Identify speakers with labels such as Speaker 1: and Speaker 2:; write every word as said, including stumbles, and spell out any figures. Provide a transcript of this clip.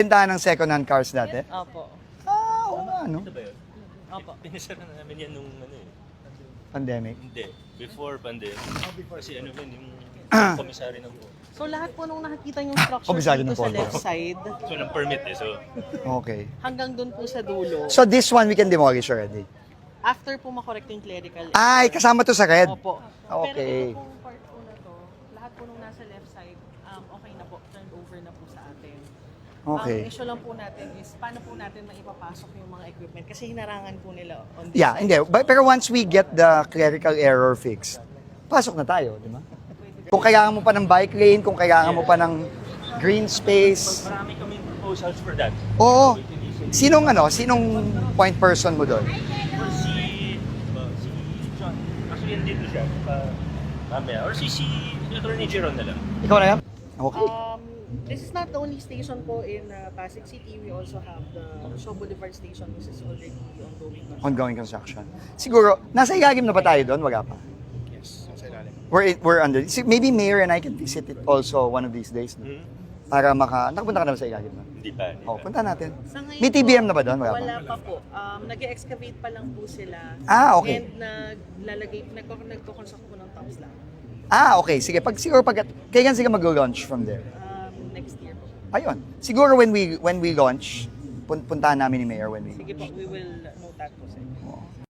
Speaker 1: Bentahan ng second-hand cars dati?
Speaker 2: Opo.
Speaker 1: Ah, oo nga, no?
Speaker 3: Ito ba yun?
Speaker 2: Opo.
Speaker 3: Pinisara na namin yan nung ano eh.
Speaker 1: Pandemic.
Speaker 3: Hindi. Before pandemic. Kasi ano yun, yung komisary ng po.
Speaker 2: So lahat po nung nakikita yung structure
Speaker 1: Komisaryo
Speaker 2: dito
Speaker 1: ng
Speaker 2: sa
Speaker 1: Polvo.
Speaker 2: left side,
Speaker 3: So, ng permit eh. So,
Speaker 1: Okay.
Speaker 2: hanggang dun po sa dulo,
Speaker 1: So this one we can demolish already?
Speaker 2: after po makorek yung clerical.
Speaker 1: Ay, kasama to sa red?
Speaker 2: Opo.
Speaker 1: Okay.
Speaker 2: Pero ito pong part po na to, lahat po nung nasa left side, um, okay na po, turned over na po sa atin.
Speaker 1: Okay.
Speaker 2: Ang issue lang po natin is, paano po natin maipapasok yung mga equipment? Kasi hinarangan po nila on this
Speaker 1: Yeah,
Speaker 2: side.
Speaker 1: hindi. But, pero once we get the clerical error fixed, pasok na tayo, di ba? Kung kailangan mo pa ng bike lane, kung kailangan mo pa ng green space.
Speaker 3: marami kaming proposals for that.
Speaker 1: Oo. Sinong ano, sinong point person mo doon?
Speaker 3: Or si, uh, si John. Actually, nandito siya. Pa, mamaya. Or si, si Attorney Jeron na lang.
Speaker 1: Ikaw na yan? Okay.
Speaker 2: Um, this is not the only station po in uh, Pasig City. We also have the Shaw Boulevard Station, which is already ongoing.
Speaker 1: Ongoing construction. Siguro, nasa ilalim na ba tayo doon? Wala pa.
Speaker 3: Yes, sa ilalim.
Speaker 1: We're, we're under. si- Maybe Mayor and I can visit it also one of these days. No?
Speaker 3: Hmm?
Speaker 1: Para maka... Nakapunta ka na ba sa ilalim na?
Speaker 3: Hindi pa. Hindi
Speaker 1: Oh,
Speaker 3: pa.
Speaker 1: punta natin.
Speaker 2: Sa ngayon
Speaker 1: May T B M na ba doon?
Speaker 2: po,
Speaker 1: Wala pa.
Speaker 2: Wala pa po. Um, nag-excavate pa lang po sila.
Speaker 1: Ah, okay.
Speaker 2: And naglalagay, nagko- nagko-construct po ng tops lang.
Speaker 1: Ah, okay. Sige, pag siguro pag... Kailan sila mag-launch from there?
Speaker 2: Um, next year po.
Speaker 1: Ayun. Siguro when we when we launch, pun- puntahan namin ni Mayor when we
Speaker 2: Sige po, we will note that po sa inyo.